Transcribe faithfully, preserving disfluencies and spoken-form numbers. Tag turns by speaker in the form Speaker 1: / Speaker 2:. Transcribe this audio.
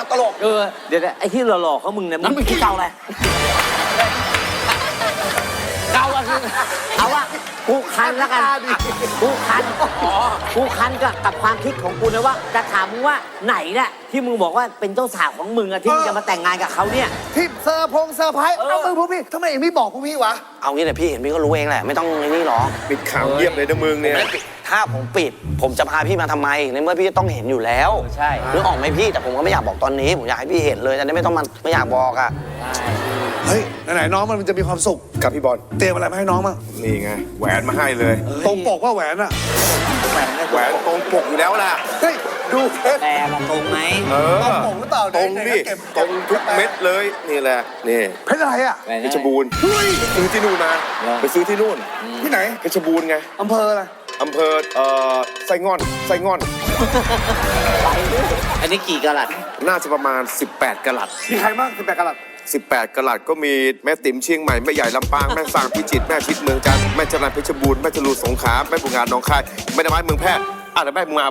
Speaker 1: วตลก
Speaker 2: เออเดี๋ยวไอ้ที่หล่อๆเขามึงเนี่ยมันเป็นขี้เก่าอะไรเก่าอะคือเอาว่ากูคันแล้วกันกูคันกูคันกับกับความคิดของกูนะว่าจะถามมึงว่าไหนแหละที่มึงบอกว่าเป็นเจ้าสาวของมึงอะที่มึงจะมาแต่งงานกับเขาเนี่ย
Speaker 1: ที่เซอร์พงเซอร์ไพรส์เอามือพวกพี่ทำไมเองไม่บอกพวกพี่วะ
Speaker 3: เอางี้เลยพี่เห็นพี่ก็รู้เองแหละไม่ต้องไอ้นี่หรอก
Speaker 4: ปิดข่าวเยี่ยมเลยนะมึงเนี่ย
Speaker 3: ถ้าผมปิด ผมจะพาพี่มาทำไมในเมื่อพี่ต้องเห็นอยู่แล้ว
Speaker 2: ใช่
Speaker 3: นึกออกไหมพี่แต่ผมก็ไม่อยากบอกตอนนี้ผมอยากให้พี่เห็นเลยจะได้ไม่ต้องมาไม่อยากบอกอ่ะ
Speaker 1: เฮ้ยไหนๆน้องมันจะมีความสุข
Speaker 4: กับพี่บอล
Speaker 1: เตรียมอะไรมาให้น้องมั้ง
Speaker 4: นี่ไงแหวนมาให้เลย
Speaker 1: ตรงปกว่าแหวนอะ
Speaker 2: แหวน
Speaker 4: แหวนตรงปกอยู่แล้วล่ะ
Speaker 1: เฮ้ยดูเพชร
Speaker 2: แต่มันตรงไหม
Speaker 4: เออ
Speaker 1: ตรงปกหรือเปล่า
Speaker 4: ตรง
Speaker 1: ไหนๆ
Speaker 4: นี่
Speaker 1: ก็เก็บ
Speaker 4: ตรงทุกเม็ดเลยนี่แหละนี่
Speaker 1: เพชรอะไรอะ
Speaker 4: เพชรบูรณ์
Speaker 1: เฮ้ย
Speaker 4: ซื้อที่นู่นมาไปซื้อที่นู่น
Speaker 1: ที่ไหน
Speaker 4: เพชรบูรณ์ไง
Speaker 1: อำเภออะไร
Speaker 4: อำเภอเอ่อไส้งอนไส้งอน
Speaker 2: อันนี้กี่กะลัด
Speaker 4: น่าจะประมาณ สิบแปดกะรัต
Speaker 1: มีใครบ้างสิบแปดกะรัต
Speaker 4: สิบแปดกะรัตก็มีแม่ติ๋มเชียงใหม่แม่ใหญ่ลำปางแม่สร้างพิจิตรแม่ชิดเมืองจันทร์แม่จรัญเพชรบูรณ์แม่จรูนสงขลาแม่บุงงานหนองคายแม่ดอกไม้เมืองแพร่อ่ะแล้วแม่มึงมา